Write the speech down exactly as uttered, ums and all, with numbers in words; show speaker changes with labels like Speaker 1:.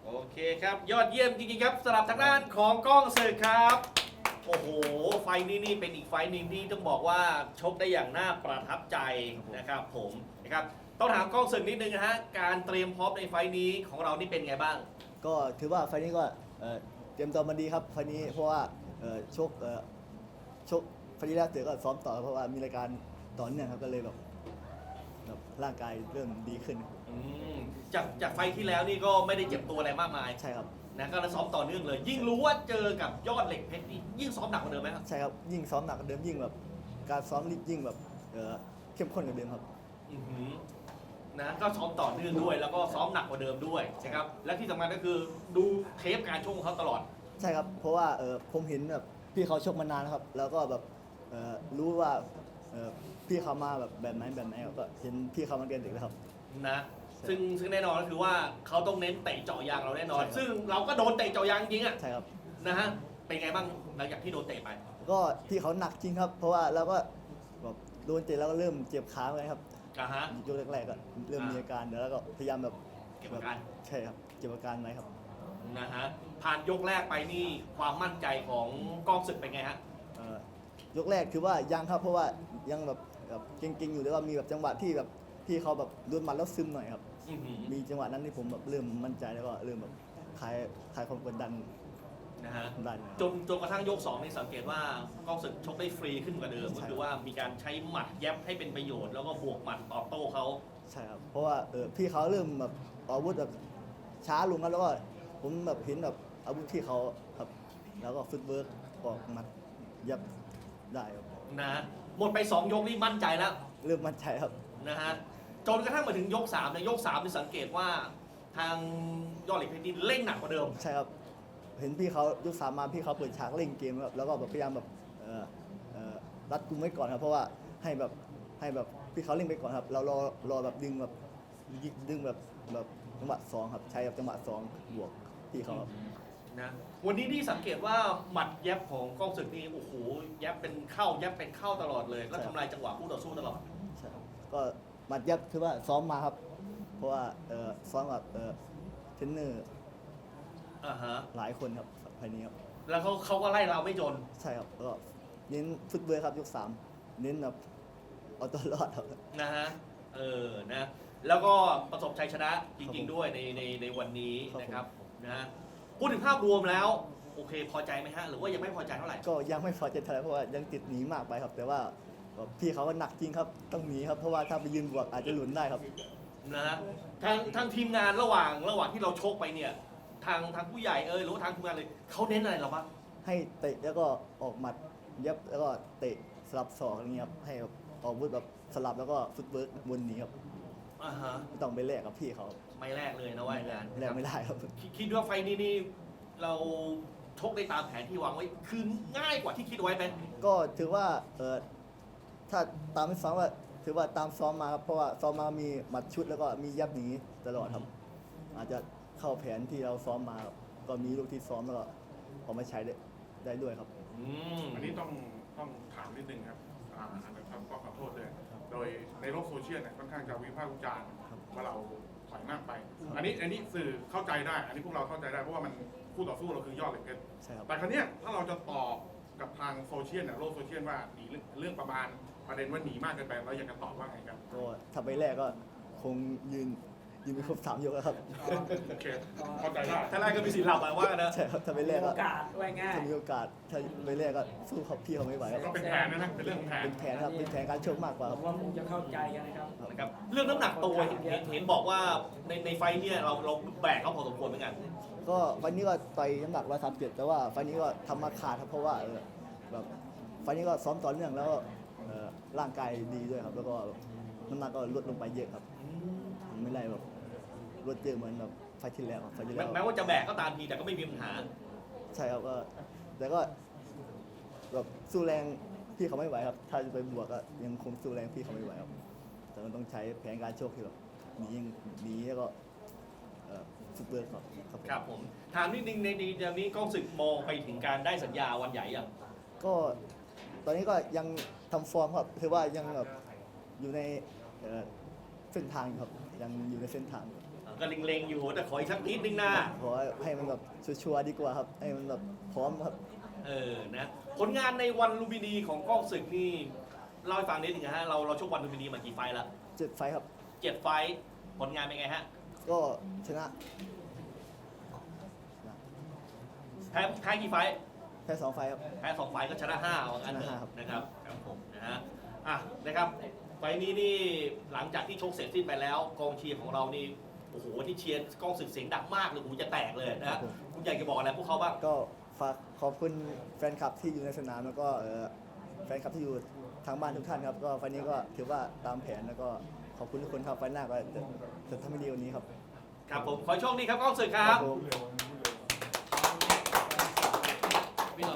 Speaker 1: โอเคครับยอดเยี่ยมจริงๆครับสำหรับทางด้านของกล้องศึกครับโอ้โหไฟนี้นี่เป็นอีกไฟหนึ่งที่ต้องบอกว่าชกได้อย่างน่าประทับใจนะครับผมนะครับต้องถามกล้องศึกนิดนึงนะฮะการเตรียมพร้อมในไฟนี้ของเรานี่เป็นไงบ้าง
Speaker 2: ก็ถือว่าไฟล์นี้ก็เอ่อเตรียมตัวมาดีครับไฟล์นี้เพราะว่าเอ่อชกเอ่อชกไฟล์ที่แล้วเสร็จก็ซ้อมต่อเพราะว่ามีรายการต่อเนื่องครับก็เลยแบบแบบร่างกายเริ่มดีขึ้น
Speaker 1: อืมจากจากไฟที่แล้วนี่ก็ไม่ได้เจ็บตัวอะไรมากมาย
Speaker 2: ใช่ครับ
Speaker 1: นะก็ซ้อมต่อเนื่องเลย ยิ่งรู้ว่าเจอกับยอดเหล็กเพชรนี่ยิ่งซ้อมหนักกว่าเดิมไหมครับ
Speaker 2: ใช่ครับยิ่งซ้อมหนักกว่าเดิมยิ่งแบบการซ้อมยิ่งแบบเอ่อเข้มข้นกว่าเดิมครับ
Speaker 1: อือหือนะก็ซ้อมต่อเนื่องด้วย แล้วก็ซ้อมหนักกว่าเดิมด้วยนะครับและที่สำคัญก็คือดูเทปการชกของเขาตลอด
Speaker 2: ใช่ครับเพราะว่าเอ่อผมเห็นแบบพี่เขาชกมานานนะครับแล้วก็แบบเอ่อรู้ว่าเอ่อพี่เขามาแบบแบบไหนแบบไหนครับก็เห็นพี่เขามาเรียนเด็กแล้วครับ
Speaker 1: นะซึ่งซึ่งแน่นอนก็คือว่าเขาต้องเน้นเตะเจาะยางเราแน่นอนซึ่งเราก็โดนเตะเจาะยางจริงอ่ะ
Speaker 2: ใช่ครับ
Speaker 1: นะฮะเป็นไงบ้างหลังจากที่โดนเตะไป
Speaker 2: ก็พี่เขาหนักจริงครับเพราะว่าเราก็แบบโดนเตะแล้วก็เริ่มเจ็บขาเลยครับ
Speaker 1: อ่าฮะ
Speaker 2: ยกแรกๆก็เริ่มมีอาการเดี๋ยวแล้วก็พยายามแบบ
Speaker 1: เก็บอาการ
Speaker 2: ใช่ครับเก็บอาการไว้ครับ
Speaker 1: นะฮะผ่านยกแรกไปนี่ความมั่นใจของกองศึกเป็นไงฮะ
Speaker 2: เอ่อยกแรกคือว่ายังครับเพราะว่ายังแบบแบบเก่งๆอยู่แต่ว่ามีแบบจังหวะที่แบบที่เขาแบบโดนหมัดแล้วซึมหน่อยครับ
Speaker 1: อื้อหือ
Speaker 2: มีจังหวะนั้นที่ผมแบบเริ่มมั่นใจแล้วก็เริ่มแบบคลายคลายความกดดัน
Speaker 1: นะฮะ
Speaker 2: ได้
Speaker 1: จนจนกระทั่งยกสองนี่สังเกตว่ากองศึกชกได้ฟรีขึ้นกว่าเดิมก็คือว่ามีการใช้หมัดแยบให้เป็นประโยชน์แล้วก็บวกหมัดตอบโต้เขา
Speaker 2: ใช่ครับเพราะว่าเออพี่เขาเริ่มแบบอาวุธแบบช้าลงครับแล้วก็ผมแบบเห็นแบบอาวุธที่เขาครับแล้วก็ฟุตเวิร์กออกหมัดยับได้ครับ
Speaker 1: นะหมดไปสองยกนี่มั่นใจแล้ว
Speaker 2: เริ่มมั่นใจครับ
Speaker 1: นะฮะจนกระทั่งมาถึงยกสามในยกสามนี่สังเกตว่าทางยอดเหล็กเพชรนี่เร่งหนักกว่าเดิม
Speaker 2: ใช่ครับเห็นพี่เขายกสามมาพี่เขาเปิดฉากเล่นเกมครับแล้วก็แบบพยายามแบบเอ่อเอ่อรัดกุมไว้ก่อนครับเพราะว่าให้แบบให้แบบพี่เขาเล่นไปก่อนครับเรารอรอแบบดึงแบบยิงดึงแบบแบบจังหวะสองครับใช้แบบจังหวะสองบวกพี่เขาครับ
Speaker 1: นะวันนี้ที่สังเกตว่าหมัดแยบของกล้องศึกนี่โอ้โหแยบเป็นเข้าแยบเป็นเข้าตลอดเลยแล้วทำลายจังหวะคู่ต่อสู้ตลอด
Speaker 2: ใช่ครับก็หมัดยับคือว่าซ้อมมาครับเพราะว่าเอ่อซ้อมกับเอ่อเทรนเนอร์
Speaker 1: อ่าฮะ
Speaker 2: หลายคนครับภายนี้ครับ
Speaker 1: แล้วเขาเขาก็ไล่เราไม่จน
Speaker 2: ใช่ครับก็เน้นฟุตเวิร์คครับยกสามเน้นแบบเอาตัวรอดครับ
Speaker 1: นะฮะเออนะแล้วก็ประสบชัยชนะจริงๆด้วยในในในวันนี้นะครับนะฮะพูดถึงภาพรวมแล้วโอเคพอใจไหมฮะหรือว่ายังไม่พอใจเท่าไหร่
Speaker 2: ก็ยังไม่พอใจเท่าไหร่เพราะว่ายังติดหนีมากไปครับ แต่ว่าพี่เขาก็หนักจริงครับต้องหนีครับเพราะว่าถ้าไปยืนบวกอาจจะหลุนได้ครับ
Speaker 1: นะฮะทางทางทีมงานระหว่างระหว่างที่เราชกไปเนี่ยทางทางผู้ใหญ่เออหรือว่าทางทีมงานเลยเขาเน้นอะไรเราบ้าง
Speaker 2: ให้เตะแล้วก็ออกหมัดยับแล้วก็เตะสลับศอกอย่างเงี้ยครับให้แบบออกวุธแบบสลับแล้วก็ฟุตเวิร์กวนหนีครับ
Speaker 1: อ่าฮะ
Speaker 2: ไม่ต้องไปแลกกับพี่เขา
Speaker 1: ไม่แรกเลยนะว่ายงาน
Speaker 2: แลกไม่ได้ครับ
Speaker 1: คิดคิดว่าไฟนี้นี่เราชกได้ตามแผนที่วางไว้คือง่ายกว่าที่คิดไว้ไหม
Speaker 2: ก็ถือว่าเออถ้าตามที่ซ้อมว่าถือว่าตามซ้อมมาครับเพราะว่าซ้อมมามีหมัดชุดแล้วก็มียับหนีตลอดครับอาจจะเข้าแผนที่เราซ้อมมาครับก็มีลูกที่ซ้อมแล้วก็เอามาใช้ได้ได้ด้วยครับ
Speaker 1: อืม
Speaker 3: อันนี้ต้องต้องถามนิดนึงครับอ่าอันนี้ครับก็ขอโทษเลยโดยในโลกโซเชียลเนี่ยค่อนข้างจะวิพากษ์วิจารณ์ว่าเราถอยมากไป อันนี้อันนี้สื่อเข้าใจได้ อันนี้พวกเราเข้าใจได้เพราะว่ามันคู่ต่อสู้เราคือยอดเหล็กเพชรแต่ครั้งนี้ถ้าเราจะตอบกับทางโซเชียลเนี่ยโลกโซเชียลว่าหนีเรื่องประมาณประเด็นว่าหนีมากเกินไปเราอยากจะตอบว่าไงครับ
Speaker 2: ก็ถ้าไปแรกก็คงยืนยืนไปครบสามยกแล้วครับ
Speaker 3: โอเคเข้าใจได้
Speaker 1: ถ้าแรกก็มีสิทธิ์หลับมาว่ากันนะ
Speaker 2: ใช่ครับถ้าไปแรกก็
Speaker 4: โอกาสไว้ง่าย
Speaker 2: ถ้ามีโอกาสถ้าไปแรกก็สู้เขาพี่เขาไม่ไหวครับ
Speaker 3: ก็เป็นแผนนะนะเป็นเรื่องของแผน
Speaker 2: เป็นแผนครับเป็นแผนการชกมากกว่า
Speaker 4: ผ
Speaker 2: ครับ
Speaker 4: มว่าคงจะเข้าใจกันนะครับ
Speaker 1: นะครับเรื่องน้ำหนักตัวเห็นเห็นเห็นบอกว่าในในไฟท์เนี่ยเราเราแบกเขาพอสมควรเหมือนกัน
Speaker 2: ก็ไฟล์นี้ก็ต่อยน้ำหนักร้อยสามสิบเจ็ดแต่ว่าไฟล์นี้ก็ทำมาขาดครับเพราะว่าเออแบบไฟล์นี้ก็ซ้อมต่อเนื่องแล้วเออร่างกายดีด้วยครับแล้วก็น้ำหนักก็ลดลงไปเยอะครับไม่ได้แบบลดเยอะเหมือนแบบไฟล์ที่แล้วครับไฟล์ที่แล้ว
Speaker 1: แม้ว่าจะแบกก็ตามทีแต่ก็ไม่มีปัญหา
Speaker 2: ใช่ครับก็แต่ก็แบบสู้แรงพี่เขาไม่ไหวครับถ้าจะไปบวกก็ยังคงสู้แรงพี่เขาไม่ไหวครับแต่มันต้องใช้แผนการโชคที่แบบหนีหนีแล้วก็ซุปเปอร์ครับครับ
Speaker 1: ครับผมถามนิดนึงในในเดือนนี้กล้องศึกมองไปถึงการได้สัญญาวันใหญ่ยัง
Speaker 2: ก็ตอนนี้ก็ยังทำฟอร์มครับคือว่ายังแบบอยู่ในเส้นทางครับยังอยู่ในเส้นทาง
Speaker 1: อ่าก็เล็งๆอยู่แต่ขออีกสักนิดนึงนะ
Speaker 2: ขอให้มันแบบชัวร์ๆดีกว่าครับให้มันแบบพร้อมครับ
Speaker 1: เออนะผลงานในวันลุมพินีของกล้องศึกนี่เล่าให้ฟังนิดนึงนะฮะเราเราชกวันลุมพินีมากี่ไฟล์ละ
Speaker 2: เจ็ดไฟท์ครับ
Speaker 1: เจ็ดไฟล์ผลงานเป็นไงฮะ
Speaker 2: ก็ชนะ
Speaker 1: แพ้แพ้กี่ไฟล์
Speaker 2: แค่สองไฟท์ครับ
Speaker 1: แพ้สองไฟล์ก็ชนะห้าว่างั้นเถ
Speaker 2: ชนะห้า
Speaker 1: อะ
Speaker 2: ครับ
Speaker 1: นะครับครับผมนะฮะอ่ะนะครับไฟล์นี้นี่หลังจากที่ชกเสร็จสิ้นไปแล้วกองเชียร์ของเรานี่โอ้โหที่เชียร์กล้องศึกเสียงดังมากเลยหูจะแตกเลยนะฮะคุณอยากจะบอกอะไรพวกเขาบ้าง
Speaker 2: ก็ฝากขอบคุณแฟนคลับที่อยู่ในสนามแล้วก็เอ่อแฟนคลับที่อยู่ทางบ้านทุกท่านครับก็ไฟล์นี้ก็ถือว่าตามแผนแล้วก็ขอบคุณทุกคนครับไฟล์หน้าก็จะจะทำให้ดีกว่านี้ครับ
Speaker 1: ครับผมขอให้โชคดีครับกล้องศึกครับ
Speaker 2: ผม